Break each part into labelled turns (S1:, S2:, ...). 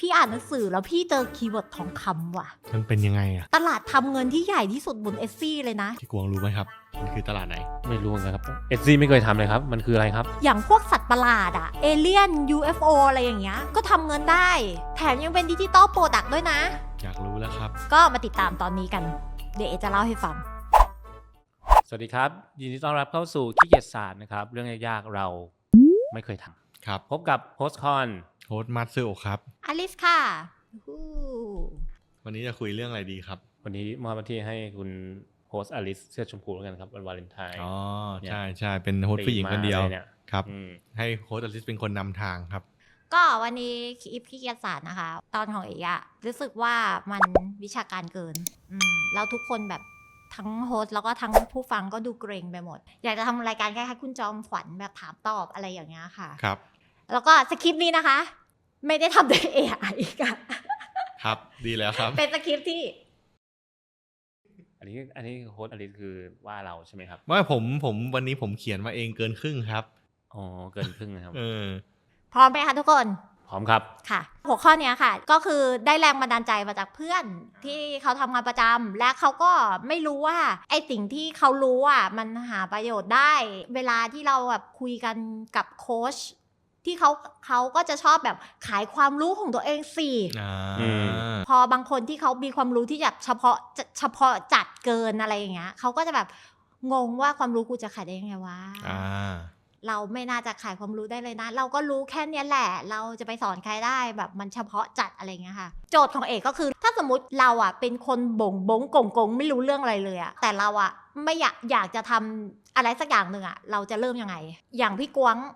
S1: พี่อ่านหนังสือแล้วพี่เจอคีย์เวิร์ดทองคำว่ะ
S2: มันเป็นยังไงอะ
S1: ตลาดทำเงินที่ใหญ่ที่สุดบน Etsy เลยนะ
S2: พี่กวางรู้ไหมครับมันคือตลาดไหน
S3: ไม่รู้นะครับเอซี่ไม่เคยทำเลยครับมันคืออะไรครับ
S1: อย่างพวกสัตว์ประหลาดอะเอเลี่ยน UFO อะไรอย่างเงี้ยก็ทำเงินได้แถมยังเป็นดิจิตอลโปรดักต์ด้วยนะ
S2: อยากรู้แล้วครับ
S1: ก็มาติดตามตอนนี้กันเดี๋ยวเอจะเล่าให้ฟัง
S3: สวัสดีครับยินดีต้อนรับเข้าสู่ขี้เกียจศาสตร์นะครับเรื่องยากๆเราไม่เคยทำ
S2: ครับ
S3: พบกับโฮสต์คอน
S2: โฮสต์มัตสึโอะครับ
S1: อลิสค่ะ
S2: วันนี้จะคุยเรื่องอะไรดีครับ
S3: วันนี้มอบหน้าที่ให้คุณโฮสต์อลิสเสื้อชมพูแล้วกันครับวันวาเลนไทน์
S2: อ๋อใช่ใช่เป็นโฮสต์ผู้หญิงคนเดียวครับให้โฮสต์อลิสเป็นคนนำทางครับ
S1: ก็วันนี้คลิปขี้เกียจศาสตร์นะคะตอนของเอกอะรู้สึกว่ามันวิชาการเกินแล้วทุกคนแบบทั้งโฮสต์แล้วก็ทั้งผู้ฟังก็ดูเกรงไปหมดอยากจะทำรายการคล้ายๆคุณจอมขวัญแบบถามตอบอะไรอย่างเงี้ยค่ะ
S2: ครับ
S1: แล้วก็สคริปต์นี้นะคะไม่ได้ทำโดย AI ค่ะ
S2: ครับดีแล้วครับ
S1: เป็นสคริปต์ที่
S3: อันนี้โฮสต์อลิสคือว่าเราใช่ไหมครับ
S2: ว่าผมวันนี้ผมเขียนมาเองเกินครึ่งครับ
S3: อ๋อเกินครึ่งนะครับ
S1: พร้อมไหมคะทุกคน
S3: พร้อมครับ
S1: ค่ะหัวข้อนี้ค่ะก็คือได้แรงบันดาลใจมาจากเพื่อนที่เขาทำงานประจำและเขาก็ไม่รู้ว่าไอ้สิ่งที่เขารู้อ่ะมันหาประโยชน์ได้เวลาที่เราแบบคุยกันกับโค้ชที่เขาก็จะชอบแบบขายความรู้ของตัวเองสิพอบางคนที่เขามีความรู้ที่แบบเฉพาะจัดเกินอะไรอย่างเงี้ยเขาก็จะแบบงงว่าความรู้กูจะขายได้ยังไงวะเราไม่น่าจะขายความรู้ได้เลยนะเราก็รู้แค่นี้แหละเราจะไปสอนใครได้แบบมันเฉพาะจัดอะไรเงี้ยค่ะโจทย์ของเอกก็คือถ้าสมมติเราอ่ะเป็นคนบงกงไม่รู้เรื่องอะไรเลยอ่ะแต่เราอ่ะไม่อยากจะทำอะไรสักอย่างหนึ่งอ่ะเราจะเริ่มยังไงอย่างพี่กวาง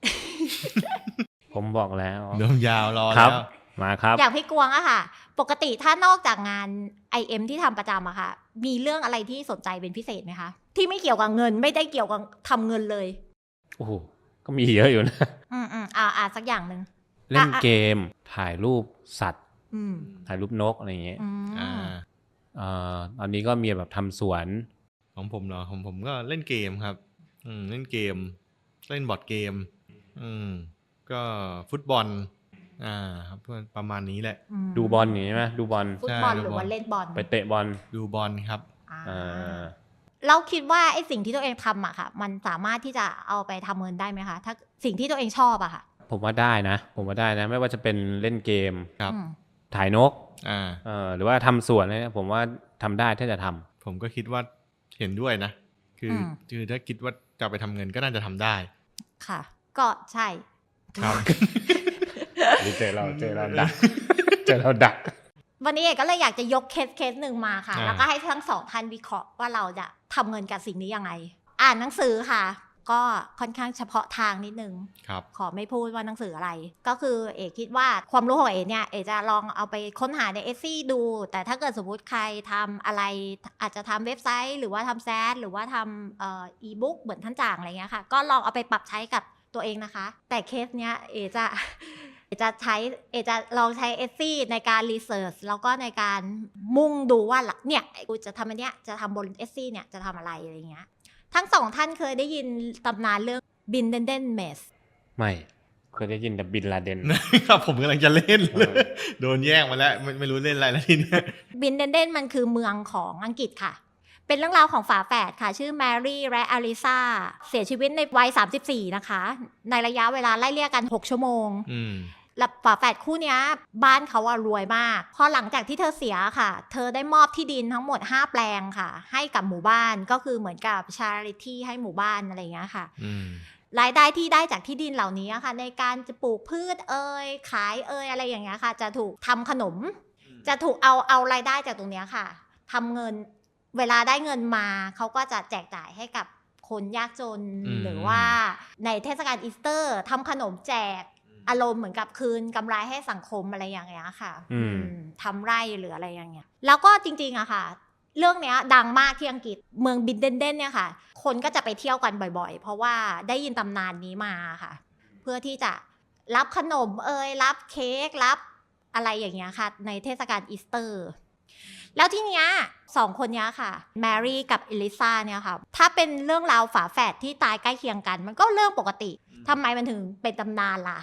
S3: ผมบอกแล้ว
S2: เริ่มยาวรอแล้ว
S3: มาครับ
S1: อย่างพี่กวางอะค่ะปกติถ้านอกจากงาน IM ที่ทำประจำอะค่ะมีเรื่องอะไรที่สนใจเป็นพิเศษไหมคะที่ไม่เกี่ยวกับเงินไม่ได้เกี่ยวกับทำเงินเลย
S3: โอ้โหก็มีเยอะอยู่นะ
S1: สักอย่างนึง
S3: เล่นเกมถ่ายรูปสัตว์ถ่ายรูปนกอะไรอย่างเงี้ยตอนนี้ก็มีแบบทำสวน
S2: ของผมเหรอของผมก็เล่นเกมครับเล่นเกมเล่นบอร์ดเกมก็ฟุตบอลครับประมาณนี้แหละ
S3: ดูบอลอย่างนี้ไหมดูบอล
S1: ฟุตบอลหรือว่าเล่นบอล
S3: ไปเตะบอล
S2: ดูบอลครับ
S1: เราคิดว่าไอ้สิ่งที่ตัวเองทำอะค่ะมันสามารถที่จะเอาไปทำเงินได้ไหมคะถ้าสิ่งที่ตัวเองชอบอะค่ะ
S3: ผมว่าได้นะไม่ว่าจะเป็นเล่นเกมถ่ายนกหรือว่าทำสวนเนี่ยผมว่าทำได้ถ้าจะทำ
S2: ผมก็คิดว่าเห็นด้วยนะคือถ้าคิดว่าจะไปทำเงินก็น่าจะทำได้
S1: ค่ะก็ใช่
S3: ครับเจอเราดัก
S1: วันนี้เอกก็เลยอยากจะยกเคสหนึ่งมาค่ะแล้วก็ให้ทั้งสองท่านวิเคราะห์ว่าเราจะทำเงินกับสิ่งนี้ยังไงอ่านหนังสือค่ะก็ค่อนข้างเฉพาะทางนิดนึงขอไม่พูดว่าหนังสืออะไรก็คือเอกคิดว่าความรู้ของเอกเนี่ยเอกจะลองเอาไปค้นหาใน Etsy ดูแต่ถ้าเกิดสมมติใครทำอะไรอาจจะทำเว็บไซต์หรือว่าทำแซดหรือว่าทำe-book เหมือนท่านจ่างอะไรเงี้ยค่ะก็ลองเอาไปปรับใช้กับตัวเองนะคะแต่เคสเนี้ยเอกจะลองใช้ Etsy ในการรีเสิร์ชแล้วก็ในการมุ่งดูว่าเนี่ยกูจะทำอันเนี้ยจะทำบน Etsy เนี่ยจะทำอะไรอะไรเงี้ยทั้งสองท่านเคยได้ยินตำนานเรื่องบินเดนเมส
S3: ไม่เคยได้ยินแต่บินลาเดน
S2: ครับผมกำลังจะเล่นโดนแย่งมาแล้วไม่รู้เล่นอะไรแล้วทีนี้
S1: บินเดนมันคือเมืองของอังกฤษค่ะเป็นเรื่องราวของฝาแฝดค่ะชื่อแมรี่และอลิซาเสียชีวิตในวัย34นะคะในระยะเวลาไล่เลี่ยกัน6ชั่วโมงและฝาแฝดคู่นี้บ้านเขารวยมากพอหลังจากที่เธอเสียค่ะเธอได้มอบที่ดินทั้งหมด5แปลงค่ะให้กับหมู่บ้านก็คือเหมือนกับ charity ให้หมู่บ้านอะไรอย่างเงี้ยค่ะรายได้ที่ได้จากที่ดินเหล่านี้ค่ะในการจะปลูกพืชขายอะไรอย่างเงี้ยค่ะจะถูกทำขนมจะถูกเอารายได้จากตรงเนี้ยค่ะทำเงินเวลาได้เงินมาเขาก็จะแจกจ่ายให้กับคนยากจนหรือว่าในเทศกาลอีสเตอร์ทำขนมแจกอารมณ์เหมือนกับคืนกำไรให้สังคมอะไรอย่างเงี้ยค่ะทำไร่หรืออะไรอย่างเงี้ยแล้วก็จริงๆอะค่ะเรื่องเนี้ยดังมากที่อังกฤษเมืองบินเดนเนี่ยค่ะคนก็จะไปเที่ยวกันบ่อยๆเพราะว่าได้ยินตำนานนี้มาค่ะเพื่อที่จะรับขนมรับเค้กรับอะไรอย่างเงี้ยค่ะในเทศกาลอีสเตอร์แล้วที่เนี้ยสองคนเนี้ยค่ะแมรี่กับเอลิซาเนี่ยค่ะถ้าเป็นเรื่องราวฝาแฝดที่ตายใกล้เคียงกันมันก็เรื่องปกติทำไมมันถึงเป็นตำนานล่ะ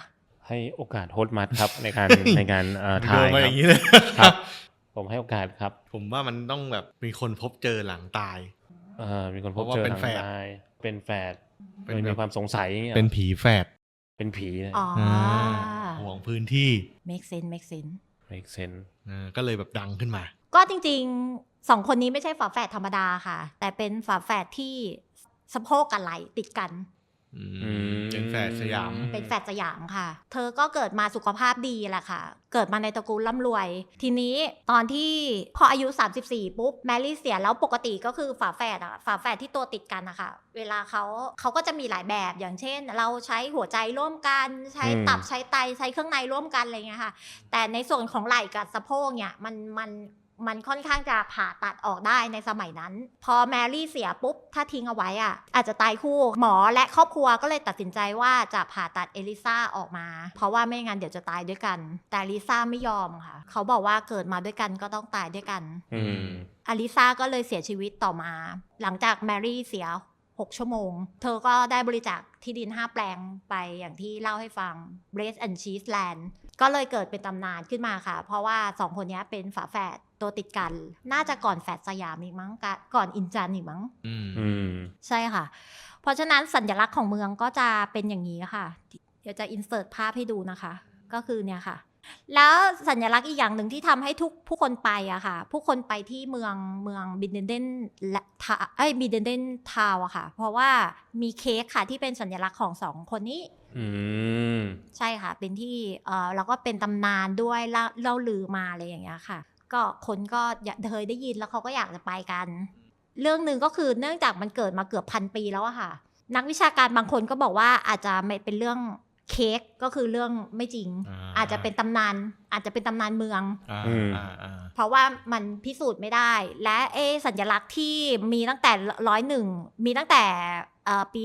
S3: ให้โอกาสโฮสต์มัดครับในการ ในการถ่าย
S2: โยนมาอย่างนี้เลย
S3: ครับ ผมให้โอกาสครับ
S2: ผมว่ามันต้องแบบมีคนพบเจอหลังตาย
S3: มีคนพบเจอ
S2: เพราะว่าเป็น
S3: ทาง
S2: แฝด
S3: ตายเป็นแฝด
S2: เป็น
S3: มี
S2: แบบ
S3: ความสงสัยอย่างเงี้ย
S2: เป็นผีแฝด
S3: เป็นผีเลย
S1: อ๋อ
S2: ห่วงพื้นที่
S1: make sense make sense
S3: make sense
S2: ก็เลยแบบดังขึ้นมา
S1: ก็จริงๆ2คนนี้ไม่ใช่ฝาแฝดธรรมดาค่ะ แต่เป็นฝาแฝดที่สะโพกกับไหล่ติดกัน
S2: เป็นแฝดสยาม
S1: เป็นแฝดสยามค่ะ เธอก็เกิดมาสุขภาพดีแหละค่ะ เกิดมาในตระกูลร่ำรวย ทีนี้ตอนที่พออายุ34ปุ๊บแมรี่เสียแล้วปกติก็คือฝาแฝดอะฝาแฝดที่ตัวติดกันนะคะเวลาเขาก็จะมีหลายแบบอย่างเช่น เราใช้หัวใจร่วมกันใช้ตับใช้ไตใช้เครื่องในร่วมกันอะไรเงี้ยค่ะแต่ในส่วนของไหล่กับสะโพกเนี่ยมันค่อนข้างจะผ่าตัดออกได้ในสมัยนั้น พอแมรี่เสียปุ๊บถ้าทิ้งเอาไว้อ่ะอาจจะตายคู่หมอและครอบครัวก็เลยตัดสินใจว่าจะผ่าตัดเอลิซาออกมาเพราะว่าไม่งั้นเดี๋ยวจะตายด้วยกันแต่อลิซาไม่ยอมค่ะเขาบอกว่าเกิดมาด้วยกันก็ต้องตายด้วยกันอลิซาก็เลยเสียชีวิตต่อมาหลังจากแมรี่เสีย6 ชั่วโมงเธอก็ได้บริจาคที่ดิน5 แปลงไปอย่างที่เล่าให้ฟัง Bread and Cheese Land ก็เลยเกิดเป็นตำนานขึ้นมาค่ะเพราะว่า2คนนี้เป็นฝาแฝดตัวติดกันน่าจะก่อนแฝดสยามอีกมั้งก่อนอินจันอีกมั้งใช่ค่ะเพราะฉะนั้นสัญลักษณ์ของเมืองก็จะเป็นอย่างนี้ค่ะเดี๋ยวจะอินเสิร์ตภาพให้ดูนะคะก็คือเนี่ยค่ะแล้วสัญลักษณ์อีกอย่างหนึ่งที่ทำให้ผู้คนไปอะค่ะผู้คนไปที่เมืองบินเดนเดนและบินเดนเดนทาวอะค่ะเพราะว่ามีเค้กค่ะที่เป็นสัญลักษณ์ของ2 คนนี้ใช่ค่ะเป็นที่แล้วก็เป็นตำนานด้วยเล่าลือมาอะไรอย่างเงี้ยค่ะก็คนก็เคยได้ยินแล้วเขาก็อยากจะไปกันเรื่องหนึ่งก็คือเนื่องจากมันเกิดมาเกือบ1,000 ปีแล้วอะค่ะนักวิชาการบางคนก็บอกว่าอาจจะไม่เป็นเรื่องเค้กก็คือเรื่องไม่จริงอาจจะเป็นตำนานเมืองเพราะว่ามันพิสูจน์ไม่ได้และสัญลักษณ์ที่มีตั้งแต่101มีตั้งแต่ปี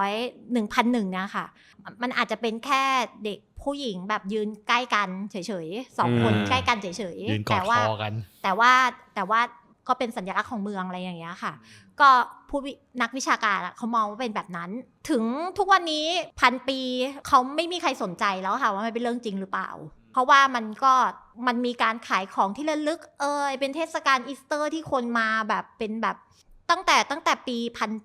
S1: 1,001เนี่ยค่ะมันอาจจะเป็นแค่เด็กผู้หญิงแบบยืนใกล้กันเฉยๆ2 คนใกล้กันเฉยๆ
S2: ยืนกอดคอกัน
S1: แต่ว่าก็เป็นสัญลักษณ์ของเมืองอะไรอย่างเงี้ยค่ะก็นักวิชาการเขามองว่าเป็นแบบนั้นถึงทุกวันนี้1,000 ปีเขาไม่มีใครสนใจแล้วค่ะว่ามันเป็นเรื่องจริงหรือเปล่าเพราะว่ามันมีการขายของที่ระลึกเป็นเทศกาลอีสเตอร์ที่คนมาแบบเป็นแบบตั้งแต่ปี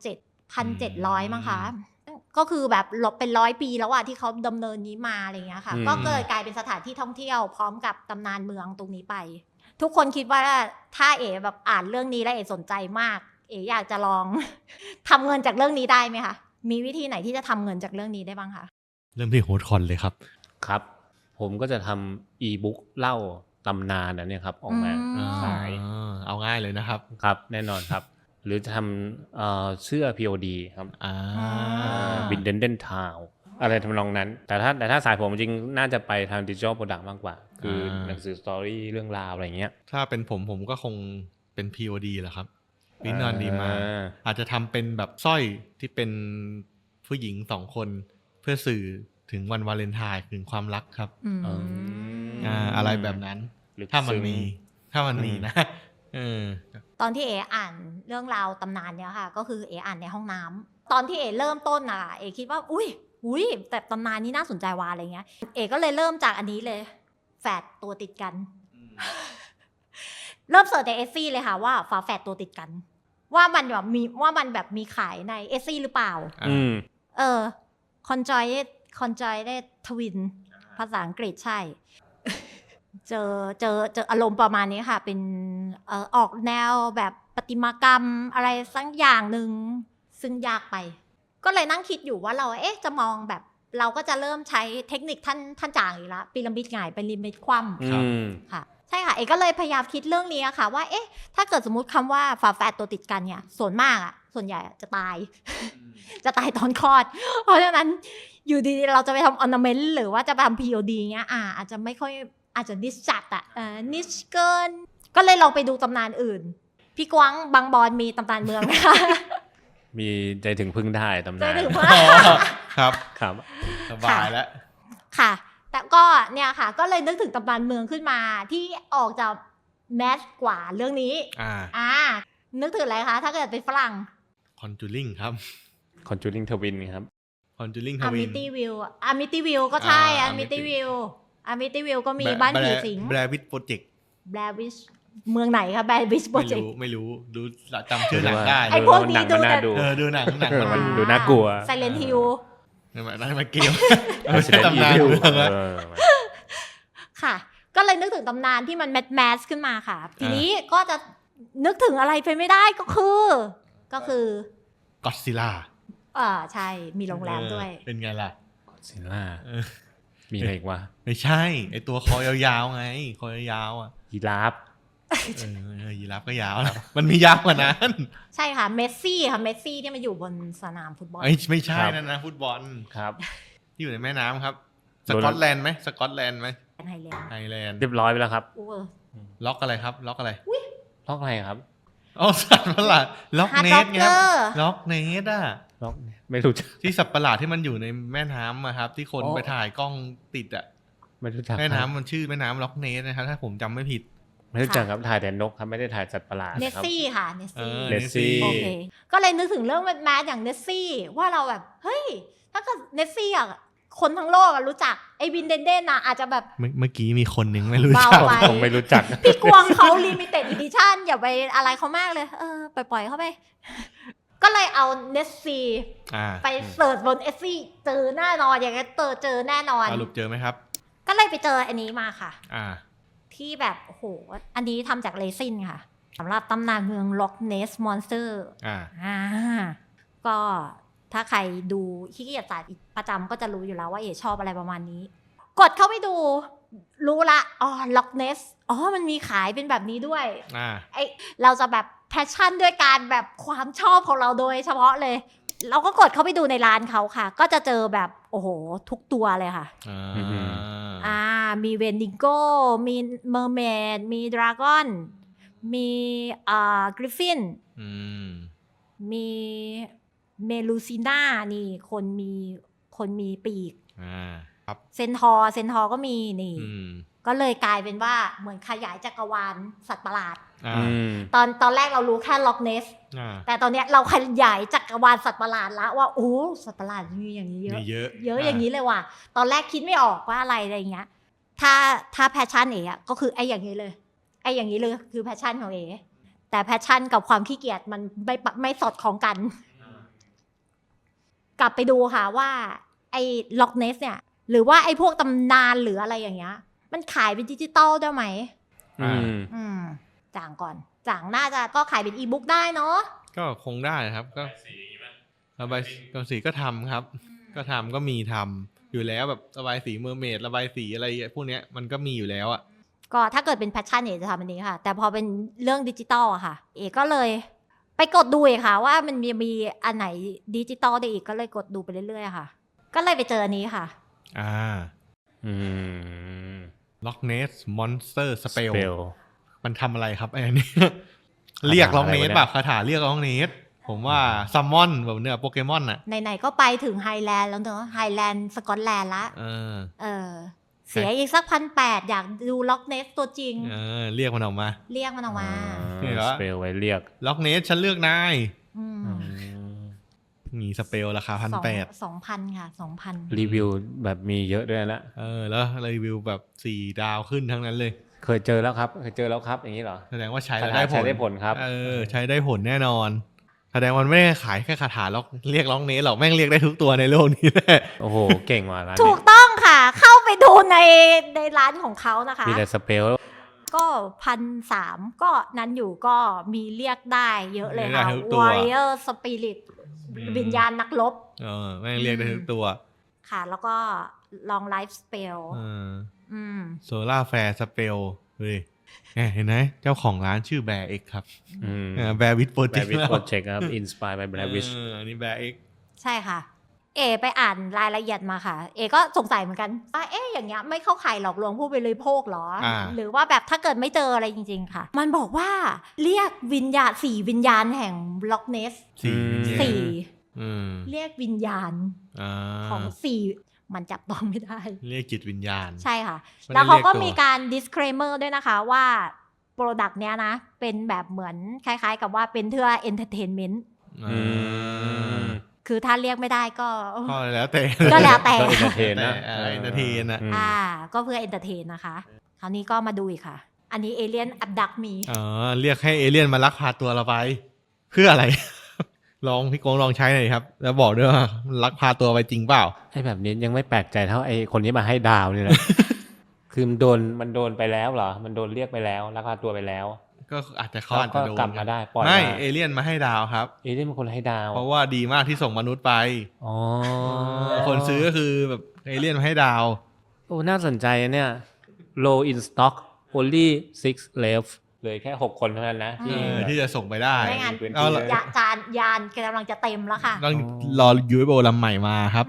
S1: 1,700มั้งคะก็คือแบบเป็น100 ปีแล้วอะที่เขาดำเนินนี้มาอะไรเงี้ยค่ะก็เกิดกลายเป็นสถานที่ท่องเที่ยวพร้อมกับตำนานเมืองตรงนี้ไปทุกคนคิดว่าถ้าแบบอ่านเรื่องนี้แล้วสนใจมากอยากจะลอง ทำเงินจากเรื่องนี้ได้ไหมคะมีวิธีไหนที่จะทำเงินจากเรื่องนี้ได้บ้างคะ
S2: เริ่มที่โฮสต์คอนเลยครับ
S3: ครับผมก็จะทำอีบุ๊กเล่าตำนานนั่นเนี่ยครับออกมาขาย
S2: เอาง่ายเลยนะครับ
S3: ครับแน่นอนครับหรือจะทำเสื้อ POD ครับบินเดนเดนทาวอะไรทำนองนั้นแต่ถ้าสายผมจริงน่าจะไปทางดิจิทัลโปรดักต์มากกว่าคือหนังสือสตอรี่เรื่องราวอะไรเงี้ย
S2: ถ้าเป็นผมก็คงเป็น POD แหละครับวินนอนดีมาอาจจะทำเป็นแบบสร้อยที่เป็นผู้หญิง2 คนเพื่อสื่อถึงวันวาเลนไทน์ถึงความรักครับอะไรแบบนั้นถ้ามันมีนะ
S1: ตอนที่อ่านเรื่องราวตำนานเนี่ยค่ะก็คืออ่านในห้องน้ำตอนที่เริ่มต้นคิดว่าอุ้ยแต่ตำนานนี้น่าสนใจว่ะอะไรเงี้ยก็เลยเริ่มจากอันนี้เลยแฝดตัวติดกันเริ่มเสิร์ชในเอซี่เลยค่ะว่าฝาแฝดตัวติดกันว่ามันแบบมีขายในเอซี่หรือเปล่าconjoined twin ภาษาอังกฤษใช่ เจออารมณ์ประมาณนี้ค่ะเป็นออกแนวแบบประติมากรรมอะไรสักอย่างหนึ่งซึ่งยากไปก็เลยนั่งคิดอยู่ว่าเราจะมองแบบเราก็จะเริ่มใช้เทคนิคท่านจางอีกแล้วพีระมิดหงายเป็นพีระมิดคว่ำค่ะใช่ค่ะก็เลยพยายามคิดเรื่องนี้ค่ะว่าถ้าเกิดสมมุติคำว่าฝาแฝดตัวติดกันเนี่ยส่วนใหญ่จะตาย จะตายตอนคลอดเพราะฉะนั้นอยู่ดีๆเราจะไปทำออร์นาเมนต์หรือว่าจะไปทำ POD เงี้ยอาจจะไม่ค่อยอาจจะนิชจัดนิชเกินก็เลยลองไปดูตำนานอื่นพี่กวางบางบอนมีตำนานเมืองไหมคะ
S3: มีใจถึงพึ่งได้ตำนาน
S2: ครับสบายแล้ว
S1: ค่ะแต่ก็เนี่ยค่ะก็เลยนึกถึงตำนานเมืองขึ้นมาที่ออกจากแมสกว่าเรื่องนี้นึกถึงอะไรคะถ้าเกิดเป็นฝรั่ง
S2: Conjuring ครับ
S3: Conjuring Twin ครับ
S2: Conjuring
S1: อา
S2: Twin
S1: มิตี้วิวอามิตี้วิวก็ใช่อามิตี้วิวอามิตี้วิวก็มีบ้านผีสิง
S2: Blair Witch Project
S1: แบลวิชเมืองไหนคะแบลวิชโปร
S2: ไม่
S1: เจกต์
S2: รู้ไม่รู้ดูจำชื่อหนังได้
S1: ไอ้พวกนี้
S3: หนังมันน่าดู
S2: ดูหนัง
S3: มันดูน่ากลัว
S1: ไซเลนฮิล
S2: นั่นมันเกม
S3: Resident
S2: ตำนาน
S3: Evil
S2: เมืองอะ
S1: ค่ะ ก็เลยนึกถึงตำนานที่มันแมสขึ้นมาค่ะ ทีนี้ก็จะนึกถึงอะไรไปไม่ได้ก็คือ
S2: Godzilla
S1: ใช่มีโรงแรมด้วย
S2: เป็นไงล่ะ
S3: ซิลล่ามีอะไรอีกวะ
S2: ไม่ใช่ไอตัวคอยาวๆไงคอยาวๆอ่ะ
S3: ยีราฟ
S2: ยีราฟก็ยาวนะมันมียาวกว่านั้น
S1: ใช่ค่ะเมสซี่ค่ะเมสซี่ที่มาอยู่บนสนามฟุตบอล
S2: ไม่ใช่นั่นนะฟุตบอล
S3: ครับ
S2: ที่อยู่ในแม่น้ำครับสกอตแลนด์ไหมสกอตแลนด์ไหม
S1: ไฮแลนด์
S2: ไอร์แลนด์
S3: เรียบร้อยไปแล้วครับ
S2: ล็อกอะไรครับล็อกอะไร
S3: ล็อกอะไรครับ
S2: อ๋อสัตว์ประหลาดล็อกเนสไงล็อกเนสอ่ะ
S3: ล็อกไม่รู้จัก
S2: ที่สัตว์ประหลาดที่มันอยู่ในแม่น้ำอะครับ ที่คน
S3: อ๋อ
S2: ไปถ่ายกล้องติดอ่ะ
S3: ไม่รู้จัก
S2: แม่น้ำมันชื่อแม่น้ำล็อกเนสนะครับถ้าผมจำไม่ผิด
S3: ไม่รู้จักครับถ่ายแต่นกครับไม่ได้ถ่ายสัตว์ประหลาด
S1: เนส
S3: ครับ
S1: ซี่ค่ะเนสซี่
S3: เนสซี่
S1: โอเคก็เลยนึกถึงเรื่องแมสอย่างเนสซี่ว่าเราแบบเฮ้ยถ้าเกิดเนสซี่อ่ะคนทั้งโลกรู้จักไอ้วินเดนเดนนะอาจจะแบบ
S2: เมื่อกี้มีคนหนึ่งไม่รู้
S1: เบา
S2: จัก
S1: ไป
S3: ผมไม่รู้จัก
S1: พี่กวงเขาลิมิเต็ดอีดิชั่นอย่าไปอะไรเขามากเลยปล่อยๆเข้าไป ก็เลยเอาเนสซี่ ไปเสิร์ชบนเอสซี่เจอแน่นอนอย่างเงี้ยเจอแน่นอน
S2: สรุปเจอไหมครับ
S1: ก็เลยไปเจออันนี้มาค่ะ
S2: อ่า
S1: ที่แบบโอ้โหอันนี้ทำจากเรซินค่ะสำหรับตำนานเมืองล็อกเนสมอนสเตอร์ ก็ถ้าใครดูขี้เกียจศาสตร์ประจำก็จะรู้อยู่แล้วว่าเอ๋ชอบอะไรประมาณนี้ กดเข้าไปดูรู้ละล็อกเนสมันมีขายเป็นแบบนี้ด้วยเราจะแบบแพชชั่นด้วยการแบบความชอบของเราโดยเฉพาะเลย เราก็กดเข้าไปดูในร้านเขาค่ะ ก็จะเจอแบบโอ้โหทุกตัวเลยค่ะมีเวนดิโก้มีเมอร์เมดมีดราก้อนมีกริฟฟินมีเมลูซิน่านี่คนมีปีกเซนทอร์ก็มีนี่ก็เลยกลายเป็นว่าเหมือนขยายจักรวาลสัตว์ประหลาดตอนแรกเรารู้แค่ล็อกเนสแต่ตอนเนี้ยเราขยายจักรวาลสัตว์ประหลาดแล้วว่าโอ้สัตว์ประหลาดมีอย่างนี้เยอะอย่างนี้เลยว่ะตอนแรกคิดไม่ออกว่าอะไรเงี้ยถ้าแพชชั่นเอ๋ก็คือไอ้อย่างนี้เลยไอ้อย่างนี้เลยคือแพชชั่นของเอ๋แต่แพชชั่นกับความขี้เกียจมันไม่สอดคล้องกันกลับไปดูค่ะว่าไอ้ล็อกเนสเนี่ยหรือว่าไอ้พวกตำนานหรืออะไรอย่างเงี้ยมันขายเป็นดิจิตอลได้ไหมจ่างก่อนจ่างน่าจะก็ขายเป็นอีบุ๊กได้เนาะ
S2: ก็คงได้ครับก็ระบายสีก็ทำครับก็ทำก็มีทำอยู่แล้วแบบระบายสีเมอร์เมดระบายสีอะไรพวกเนี้ยมันก็มีอยู่แล้วอ่ะ
S1: ก็ถ้าเกิดเป็นแพชชั่นเอ๋จะทำอันนี้ค่ะแต่พอเป็นเรื่องดิจิตอลอะค่ะเอ๋ก็เลยไปกดดูเองค่ะว่ามันมีอันไหนดิจิตอลได้อีกก็เลยกดดูไปเรื่อยๆค่ะก็เลยไปเจออันนี้ค่ะ
S2: ล็อกเนสมอนสเตอร์สเปลมันทำอะไรครับไอ้นี่ เรียกล็อกเนสแบบคาถาเรียกล็อกเนสผมว่าซัมมอนแบบเนื้อโปเกมอนน่ะ
S1: ไหนๆก็ไปถึงไฮแลนด์แล้วเนอะไฮแลนด์สกอตแลนด์ละเสียอีกสัก1,800อยากดูล็อกเนสตัวจริง
S2: เรียกมันออกมา
S3: สเปลไว้เรียก
S2: ล็อกเนสฉันเลือกนายมีสเปลราคา1,800
S1: 2,000ค่ะ 2,000
S3: รีวิวแบบมีเยอะด้วยนะ
S2: แล้วรีวิวแบบ4 ดาวขึ้นทั้งนั้นเลย
S3: เคยเจอแล้วครับอย่างนี้เหรอ
S2: แสดงว่าใช้ได้
S3: ผลครับ
S2: ใช้ได้ผลแน่นอนแสดงมันไม่ได้ขายแค่คาถาล็อกเรียกล็อกเนสหรอกแม่งเรียกได้ทุกตัวในโลกนี้แหละ
S3: โอ้โหเก่งว่ะร้าน
S1: ถูกต้องค่ะเข้าไปดูในร้านของเขานะคะ
S3: มีแต่สเปล
S1: ก็1,300ก็นั้นอยู่ก็มีเรียกได้เยอะเลยค่ะ Warrior Spirit วิญญาณนักรบ
S2: แม่งเรียกได้ทุกตัว
S1: ค่ะแล้วก็ Long Life Spell
S2: Solar Flare Spell เฮ้ยเห็นไหมเจ้าของร้านชื่อแบร์เอ็กครับแบร์วิทโปรเจกต์
S3: ครับ Inspired by Blair Witch
S2: อันนี้แบร์เอ็ก
S1: ใช่ค่ะไปอ่านรายละเอียดมาค่ะก็สงสัยเหมือนกันว่าอย่างเงี้ยไม่เข้าข่ายหลอกลวงผู้บริโภคหรอหรือว่าแบบถ้าเกิดไม่เจออะไรจริงๆค่ะมันบอกว่าเรียกวิญญาณ4วิญญาณแห่งล็อกเนส4เรียกวิญญาณของ4มันจับต้องไม่ได้
S2: เรียกจิตวิญญาณ
S1: ใช่ค่ะแล้วเขาก็มีการ disclaimer ด้วยนะคะว่า product เนี้ยนะเป็นแบบเหมือนคล้ายๆกับว่าเป็นเพื่อ entertainment คือถ้าเรียกไม่ได้ก็
S2: ก็แล้วแต่
S1: ก็แล้วแต่
S3: ก็เอนเตอร์เทนนะ
S2: เอนเตอร์เทนนะ
S1: ก็เพื่อเอนเตอร์เทนนะคะคราวนี้ก็มาดูอีกค่ะ อันนี้เอเลี่ยนอับดักมี
S2: เรียกให้เอเลี่ยนมาลักพาตัวเราไป เพื่ออะไร ลองพี่โกงลองใช้หน่อยครับ แล้วบอกด้วยว่าลักพาตัวไปจริงเปล่า
S3: ไอ้แบบนี้ยังไม่แปลกใจเท่าไอ้คนที่มาให้ดาวนี่นะ คือมันโดนไปแล้วเหรอมันโดนเรียกไปแล้วลักพาตัวไปแล้ว
S2: ก็อาจจะเขาอาจจะโดน
S3: กลับมาได้ปล่อย
S2: ไม่
S3: มา
S2: เอเลี่ยนมาให้ดาวครับ
S3: เอเลี่ยนเป็นคนให้ดาว
S2: เพราะว่าดีมากที่ส่งมนุษย์ไป
S3: อ๋อ
S2: คนซื้อก็คือแบบเอเลี่ยนมาให้ดาว
S3: โอ้น่าสนใจเนี่ย low in stock only 6 left เลยแค่ 6 คนเท่านั้นนะ
S2: ที่จะส่งไปได้
S1: ไม่งั้น
S2: เอาละ
S1: ยานกำลังจะเต็มแล้วค่ะ
S2: ต้องรอ UFO ลำใหม่มาครับ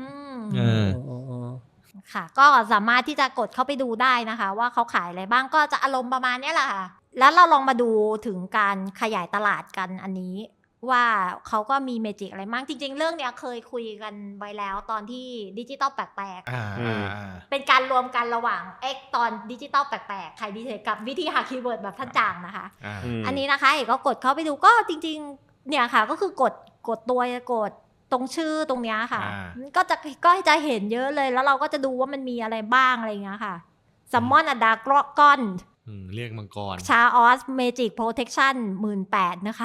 S1: ค่ะ ก็สามารถที่จะกดเข้าไปดูได้นะคะ ว่าเขาขายอะไรบ้างก็จะอารมณ์ประมาณนี้แหละค่ะ แล้วเราลองมาดูถึงการขยายตลาดกันอันนี้ ว่าเขาก็มีเมจิกอะไรบ้างจริงๆเรื่องเนี้ยเคยคุยกันไว้แล้วตอนที่ดิจิตอลแปลกๆเป็นการรวมกันระหว่างตอนดิจิตอลแปลกๆใครดิเทคกับวิธีหาคีย์เวิร์ดแบบท่านจางนะคะอันนี้นะคะเอกก็กดเข้าไปดูก็จริงๆเนี่ยค่ะก็คือกดตัวกดตรงชื่อตรงเนี้ยค่ะก็จะเห็นเยอะเลยแล้วเราก็จะดูว่ามันมีอะไรบ้างอะไรเงี้ยค่ะซัมมอนอดากรก้อน
S2: เรียกมังกร
S1: ชาออสเมจิกโปรเทคชั่น 18,000 นะคะ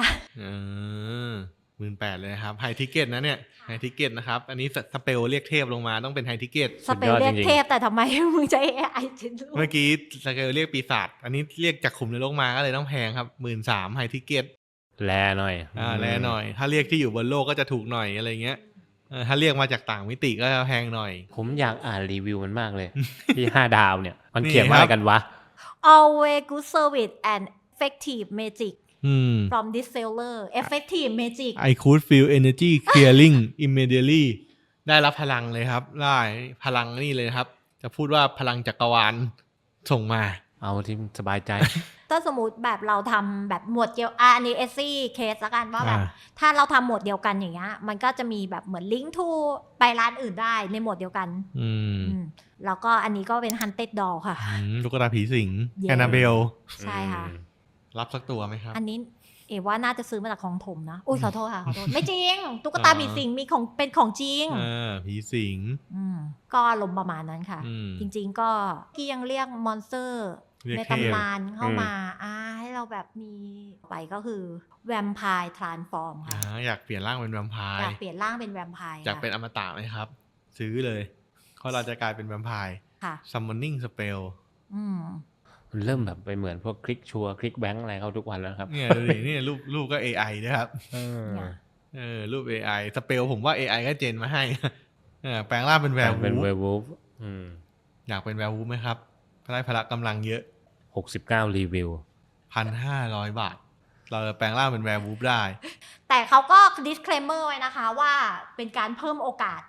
S2: 18,000เลยนะครับไฮทิเกตนะเนี่ยไฮทิเกตนะครับอันนี้สเปลเรียกเทพลงมาต้องเป็นไฮทิเกต
S1: สเปลเรียกเทพแต่ทำไมมึงใช้ AI
S2: เมื่อกี้สเปลเรียกปีศาจอันนี้เรียกจากขุมนรกมาก็เลยต้องแพงครับ 13,000 ไฮทิเกต
S3: แลหน่อย
S2: แลหน่อยถ้าเรียกที่อยู่บนโลกก็จะถูกหน่อยอะไรเงี้ยถ้าเรียกมาจากต่างมิติก็จะแพงหน่อย
S3: ผมอยากอ่านรีวิวมันมากเลย ที่5 ดาวเนี่ยมันเขียนว่าอะไรกันวะ
S1: Always good service and effective magic from this seller effective magic
S2: I could feel energy clearing immediately ได้รับพลังเลยครับได้พลังนี่เลยครับจะพูดว่าพลังจักรวาลส่งมา
S3: เอาที่สบายใจ
S1: ถ้าสมมติแบบเราทำแบบหมวดเดียวอันนี้เอซี่เคสละกันว่าแบบถ้าเราทำหมวดเดียวกันอย่างเงี้ยมันก็จะมีแบบเหมือนลิงก์ทูไปร้านอื่นได้ในหมวดเดียวกันแล้วก็อันนี้ก็เป็น Haunted Doll ค่ะ
S2: ตุ๊กตาผีสิงแอนนาเบล
S1: ใช่ค่ะ
S2: รับสักตัวไหมครับ
S1: อันนี้ว่าน่าจะซื้อมาจากของถมนะอุ้ยขอโทษค่ะขอโทษไม่จริงตุ๊กตาผีสิงมีของเป็นของจริง
S2: ผีสิง
S1: ก็ลมประมาณนั้นค่ะจริงๆก็ที่ยังเรียกมอนสเตอร์ในตำนานเข้ามาให้เราแบบมีไปก็คือแวมไพร์ทรานส์ฟอร์มค่ะ
S2: อยากเปลี่ยนร่างเป็นแวมไพร์
S1: อยากเปลี่ยนร่างเป็นแวมไพร์
S2: อยากเป็นอมตะไหมครับซื้อเลยเพราะเราจะกลายเป็นแวมไพร์
S1: ค่ะ
S2: summoning spell
S3: มันเริ่มแบบไปเหมือนพวกคลิกชัวคลิกแบงค์อะไรเข้าทุกวันแล้วครับ
S2: เนี่ยดูดินี่รูปก็ AI นะครับรูป AI สเปลผมว่า AI ก็เจนมาให้แปลงร่างเป็นแวร์วูฟอยากเป็นแวร์วูฟไหมครับได้พละกำลังเยอะ
S3: 69รีวิว
S2: 1,500 บาทเราจะแปลงร่างเป็นแวร์วูฟได้
S1: แต่เขาก็ disclaimer ไว้นะคะว่าเป็นการเพิ่มโอกาส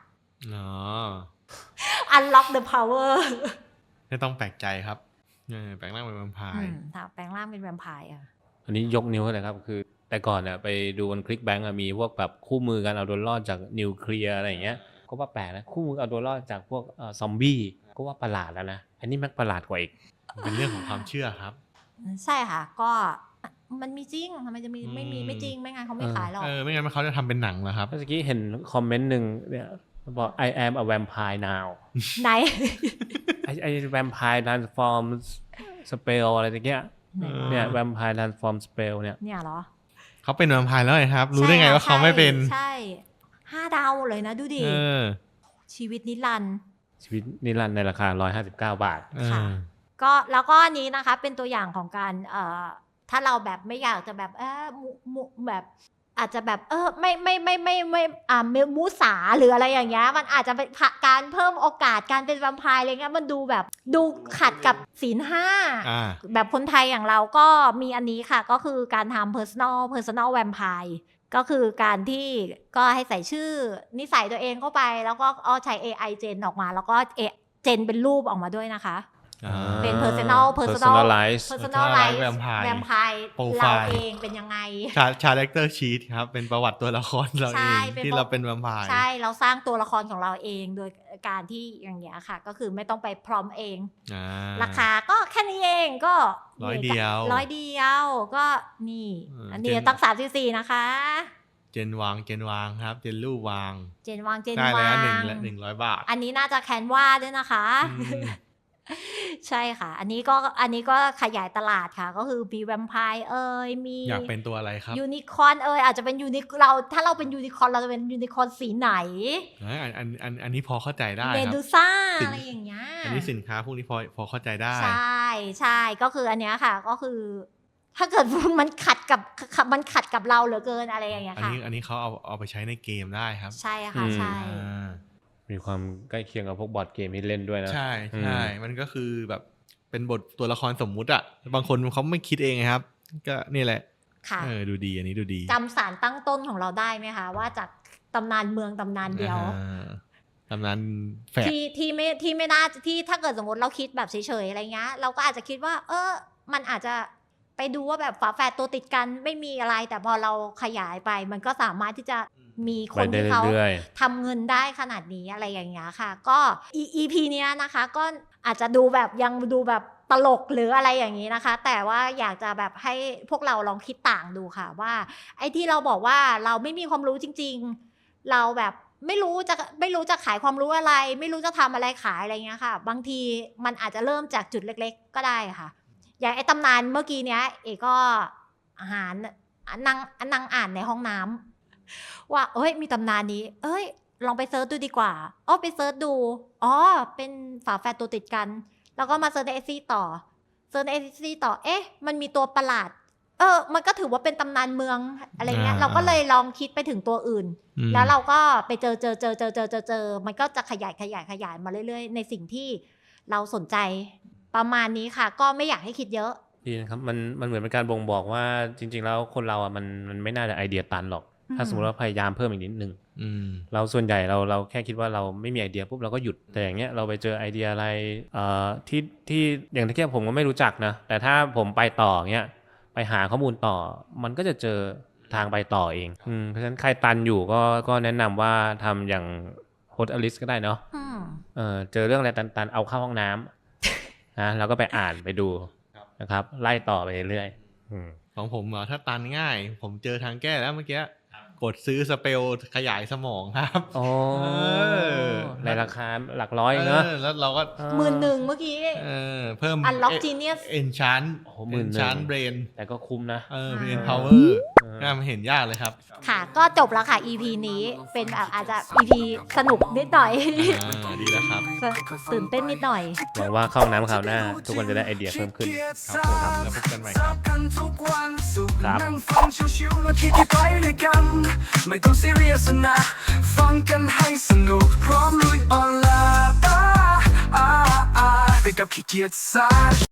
S1: unlock the power
S2: ไม่ต้องแปลกใจครับแปลงร่างเป็นแวมไพร์
S1: แปลงร่างเป็นแวมไพร์
S3: อันนี้ยกนิ้วเลยครับคือแต่ก่อนเนี่ยไปดูบนคลิกแบงก์มีพวกแบบคู่มือกันเอาตัวรอดจากนิวเคลียร์อะไรอย่างเงี้ยก็ว่าแปลกนะคู่มือเอาตัวรอดจากพวกซอมบี้ก็ว่าประหลาดแล้วนะอันนี้มันประหลาดกว่าอีก
S2: เป็นเรื่องของความเชื่อครับ
S1: ใช่ค่ะก็มันมีจริงทำไมจะมีไม่จริงไม่งั้นเขาไม่ขายหรอก
S2: ไม่งั้นเขาจะทำเป็นหนังเหรอครับ
S3: เมื่อกี้เห็นคอมเมนต์หนึ่งเนี่ยบอก I am a vampire now
S1: ไหน
S3: ไอ้ vampire transform spell อะไรอย่างเงี้ยเนี่ย vampire transform spell
S1: เนี่ยเหรอ
S2: เขาเป็นแวมไพร์แล้วไงครับรู้ได้ไงว่าเขาไม่เป็น
S1: ใช่5 ดาวเลยนะดูดิชีวิตนิรันดร์
S3: ในราคา159 บาท
S1: ค่ะก็แล้วก็อันนี้นะคะเป็นตัวอย่างของการถ้าเราแบบไม่อยากจะแบบแบบอาจจะแบบไม่มูสาหรืออะไรอย่างเงี้ยมันอาจจะเป็นการเพิ่มโอกาสการเป็นแวมไพร์อะไรเงี้ยมันดูแบบดูขัดกับศีล 5แบบคนไทยอย่างเราก็มีอันนี้ค่ะก็คือการทำ personal vampire ก็คือการที่ก็ให้ใส่ชื่อนิสัยตัวเองเข้าไปแล้วก็ใช้ AI เจนออกมาแล้วก็เจนเป็นรูปออกมาด้วยนะคะเป็น
S3: personalize
S1: แวมไพร์เราเองเป็นยังไง
S2: character sheet ครับเป็นประวัติตัวละครเราเองที่เราเป็นแวมไพร์
S1: ใช่เราสร้างตัวละครของเราเองโดยการที่อย่างเงี้ยค่ะก็คือไม่ต้องไปพร้อมเองราคาก็แค่นี้เองก็
S2: 100 เดียว
S1: ก็นี่อันนี้ตั้ง34นะคะ
S2: เจนวางครับ เจนรูปวาง
S1: เจนวาง
S2: ได้แล้ว100 บาท
S1: อันนี้น่าจะแคนวาด้วยนะคะ ใช่ค่ะ อันนี้ก็ขยายตลาดค่ะ ก็คือมีแวมไพร์มี
S2: อยากเป็นตัวอะไรครับ
S1: ยูนิคอร์นอาจจะเป็นถ้าเราเป็นยูนิคอร์นเราจะเป็นยูนิคอร์นสีไหน
S2: อันนี้พอเข้าใจได้
S1: เม
S2: ครับ
S1: ดูซ่าอะไรอย่างเงี้ย
S2: อันนี้สินค้าพวกนี้พอเข้าใจได้
S1: ใช่ก็คืออันเนี้ยค่ะ ก็คือ ถ้าเกิดมันขัดกับเราเหลือเกินอะไรอย่างเงี้ยค่ะ
S2: อันนี้เขาเอาไปใช้ในเกมได้ครับ
S1: ใช่ค่ะใช่
S3: มีความใกล้เคียงกับพวกบอร์ดเกมที่เล่นด้วยนะ
S2: ใช่มันก็คือแบบเป็นบทตัวละครสมมุติอ่ะบางคนเขาไม่คิดเองครับ ก็นี่แหละ
S1: ค่ะ
S2: ดูดีอันนี้ดูดี
S1: จำสารตั้งต้นของเราได้ไหมคะว่าจากตำนานเมืองตำนานเดียว
S2: ตำนานแฝด
S1: ที่ไม่น่าที่ถ้าเกิดสมมติเราคิดแบบเฉยๆอะไรเงี้ยเราก็อาจจะคิดว่ามันอาจจะไปดูว่าแบบฝาแฝดตัวติดกันไม่มีอะไรแต่พอเราขยายไปมันก็สามารถที่จะมีคนที่เขาทำเงินได้ขนาดนี้อะไรอย่างเงี้ยค่ะก็ EP เนี้ยนะคะก็อาจจะดูแบบยังดูแบบตลกหรืออะไรอย่างนี้นะคะแต่ว่าอยากจะแบบให้พวกเราลองคิดต่างดูค่ะว่าไอ้ที่เราบอกว่าเราไม่มีความรู้จริงๆเราแบบไม่รู้จะขายความรู้อะไรไม่รู้จะทำอะไรขายอะไรเงี้ยค่ะบางทีมันอาจจะเริ่มจากจุดเล็กๆก็ได้ค่ะอย่างไอ้ตำนานเมื่อกี้เนี้ยเอก็อาหารนั่งอ่านในห้องน้ำว่ามีตำนานนี้ลองไปเซิร์ชดูดีกว่าไปเซิร์ชดูเป็นฝาแฝดตัวติดกันแล้วก็มาเซิร์ชในเอซี่ต่อมันมีตัวประหลาดมันก็ถือว่าเป็นตำนานเมืองอะไรเงี้ยเราก็เลยลองคิดไปถึงตัวอื่นแล้วเราก็ไปเจอมันก็จะขยายมาเรื่อยๆในสิ่งที่เราสนใจประมาณนี้ค่ะก็ไม่อยากให้คิดเยอะ
S3: ดีนะครับมันเหมือนเป็นการบ่งบอกว่าจริงๆแล้วคนเราอ่ะมันไม่น่าจะไอเดียตันหรอกถ้าสมมติว่าพยายามเพิ่มอีกนิดนึงเราส่วนใหญ่เราแค่คิดว่าเราไม่มีไอเดียปุ๊บเราก็หยุดแต่อย่างเงี้ยเราไปเจอไอเดียอะไรที่อย่างที่ผมก็ไม่รู้จักนะแต่ถ้าผมไปต่อเงี้ยไปหาข้อมูลต่อมันก็จะเจอทางไปต่อเองเพราะฉะนั้นใครตันอยู่ก็แนะนำว่าทำอย่างโฮสต์อลิสก็ได้เนาะเจอเรื่องอะไรตันๆเอาเข้าห้องน้ำนะแล้วก็ไปอ่านไปดูนะครับไล่ต่อไปเรื่อย
S2: ของผมถ้าตันง่ายผมเจอทางแก้แล้วเมื่อกี้กดซื้อสเปลขยายสมองครับ
S3: ในราคาหลักร้อยเนอะ
S2: แล้วเราก็
S1: 11,000เมื่อกี้
S2: เพิ่ม
S1: Unlock Genius
S2: Enchant Brain
S3: แต่ก็คุ้มนะ
S2: Brain Power มันเห็นยากเลยครับ
S1: ค่ะก็จบแล้วค่ะ EP นี้เป็นแบบอาจจะ EP สนุกนิดหน่อย
S2: ดีแล้วครับ
S1: ตื่นเต้นนิดหน่อย
S3: หวังว่าเข้าน้ำคราวหน้าทุกคนจะได้ไอเดียเพิ่มขึ้น
S2: ครับแล้วพบกันใหม่ครับ
S4: ไม่ต้องซีเรียสนะฟังกันให้สนุกพร้อมลุยออนไลน์ไปกับขี้เกียจซ่า